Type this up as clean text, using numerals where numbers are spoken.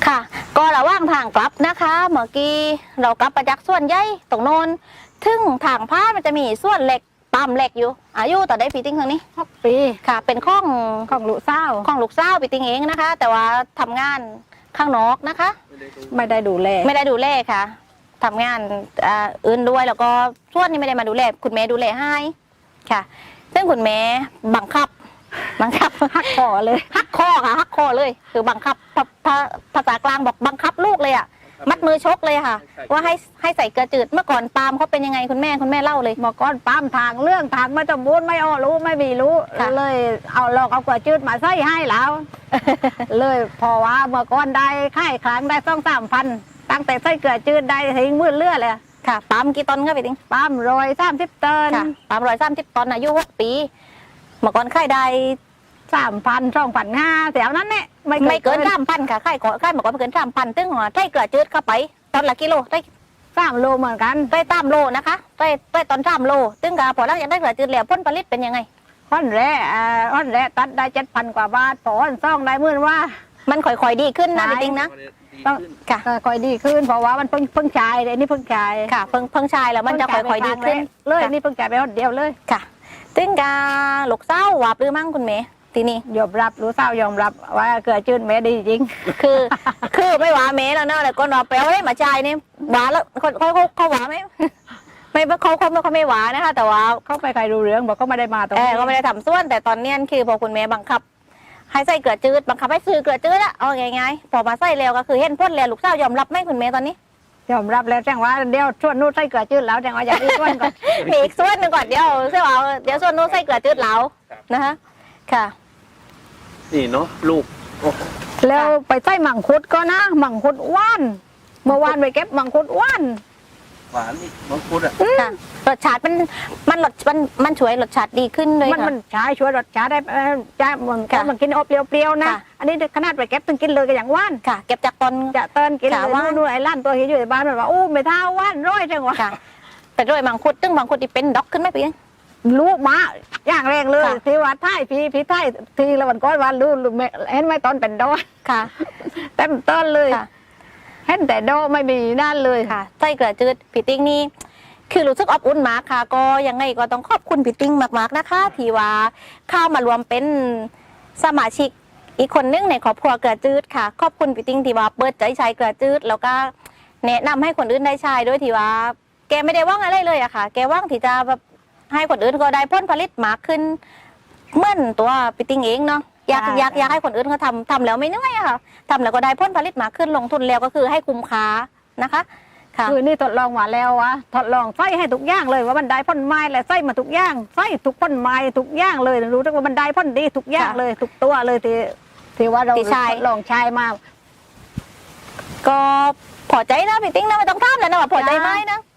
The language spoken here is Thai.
ค่ะก็ระหว่างทางกลับนะคะเมื่อกี้เรากลับมาจากส่วนใหญ่ตรงโน้นถึงทางพาดมันจะมีส่วนเหล็กปั๊มเหล็กอยู่อายุต่อได้ปีติ้งทางนี้ 6 ปีค่ะเป็นของลูกสาวของลูกสาวปีติ้งเองนะคะ แต่ว่าทำงานข้างนอกนะคะไม่ได้ดูแลค่ะทำงานอื่นด้วยแล้วก็ส่วนนี้ไม่ได้มาดูแลคุณแม่ดูแลให้ค่ะซึ่งคุณแม่บังคับหักคอเลยหักคอค่ะหักคอเลยคือบังคับภาษากลางบอกบังคับลูกเลยอ่ะมัดมือชกเลยค่ะว่าให้ใส่เกลือจืดเมื่อก่อนปาล์มเขาเป็นยังไงคุณแม่เล่าเลยเมื่อก่อนปาล์มทางเรื่องทางไม่สมบูรณ์ไม่รู้ไม่มีรู้เลยเอาเกลือจืดมาใส่ให้แล้วเลยพอว่าเมื่อก่อนได้ค่ายครั้งได้2-3 พันตั้งแต่ใส่เกลือจืดได้ทิ้งมืดเลือดเลยค่ะปาล์มกี่ตอนครับพี่ติ๊งปาล์ม130 ตันค่ะปาล์ม130 ตันอายุ6 ปีเมื่อก่อนค่ายได้ 3,000-2,500แถวนั้นเนี่ยไม่เกิน3,000ค่ะค่ายเมื่อก่อนไม่เกิน3,000ตึ้งใส่เกลือจืดเข้าไปตอนละกิโลได้ 3 โลเหมือนกันได้3 โลนะคะได้ตอน3 โลตึ้งกะพอหลังจากได้เกลือจืดแล้วผลผลิตเป็นยังไงอ้อนแร่ตัดได้7,000 กว่าบาทพออ้อนซ่องได้มื่นว่ามันค่อยๆดีขึ้นนะพี่ติ๊งนะต้องค่ะค่อยดีขึ้นเพราะว่ามันเพิ่งชายเลยนี่เพิ่งชายค่ะเพิ่งชายแล้วมันจะค่อยๆดีขึ้นเลยนี่เพิ่งชายไปคนเดียวเลยค่ะตึ้งกะลูกสาววับหรือมั่งคุณแม่ทีนี้ยอมรับรู้เศร้ายอมรับว่าเกลือจืดแม่ดีจริงคือไม่หวาแม่แล้วเนอะแต่ก็นอแปลว่าให้มาใจนี่หวาแล้วเขาหวาไหมไม่เขาไม่หวานะคะแต่ว่าเขาไปใครรู้เรื่องบอกเขาไม่ได้มาตรงนี้เขาไม่ได้ทำส่วนแต่ตอนนี้คือพอคุณแม่บังคับให้ใส่เกลือจืดบังคับให้ซื้อเกลือจืดอะเอาไงพอมาใส่แล้วก็คือเห็นพ้นแล้วลูกสาวยอมรับไหมคุณแม่ตอนนี้ยอมรับแล้วแจ้งว่าเดี๋ยวส่วนนู้นใส่เกลือจืดแล้วแจ้งว่าอย่างอีกส่วนก่อนมีอีกส่วนหนึ่งก่อนเดี๋ยวส่วนนู้นใส่เกลือจืดแล้วนะคะค่ะนี่เนาะลูกแล้วไปใส่มังคุดก็นะมังคุดว่านเมื่อวานไปเก็บมังคุดว่านหวานนี่มังคุดอ่ะรสชาติมันช่วยรสชาติดีขึ้นเลยมันช่วยรสชาติได้จะมันกินอบเปรี้ยวๆนะอันนี้ขนาดไปเก็บถึงกินเลยก็อย่างว่านค่ะเก็บจากต้นกินเลยนู่นไอ้ล้านตัวเห็นอยู่ในบ้านมันว่าอู้ไม่ท่าว่านร้อยจังวะแต่ด้วยมังคุดตึ้งมังคุดที่เป็นด็อกขึ้นไหมพี่ลูกมาอย่างแรงเลยพี่วัดไทยพี่ไทยทีละวันก้อนวันรู้เห็นไหมตอนเป็นดอค่ะเต็มต้นเลยเห็นแต่ดอไม่มีด้านเลยค่ะใส่เกลือจืดพี่ติ้งนี่คือรู้สึกอบอุ่นมากค่ะก็ยังไงก็ต้องขอบคุณพี่ติ้งมากๆนะคะที่ว่าเข้ามารวมเป็นสมาชิกอีกคนนึงในครอบครัวเกลือจืดค่ะขอบคุณพี่ติ้งที่ว่าเปิดใจใช้เกลือจืดแล้วก็แนะนำให้คนอื่นได้ใช้ด้วยที่ว่าแกไม่ได้ว่างอะไรเลยอะค่ะแกว่างที่จะแบบให้คนอื่นก็ได้ผลผลิตมากขึ้นเหมือนตัวพี่ติ้งเองเนาะอยากให้คนอื่นเขาทำแล้วไม่เหนื่อยอะค่ะทำแล้วก็ได้ผลผลิตมากขึ้นลงทุนแล้วก็คือให้คุ้มค่านะคะคือนี่ทดลองมาแล้ววะทดลองใส่ให้ทุกอย่างเลยว่ามันได้พ่นไม้และใส่มาทุกอย่างใส่ทุกพ่นไม้ทุกอย่างเลยรู้ว่ามันได้พ่นดีทุกอย่างเลยทุกตัวเลยที่ว่าเราทดลองใช้มาก็พอใจนะพี่ติ้งนะไม่ต้องทำแล้วนะพอใจไหมนะ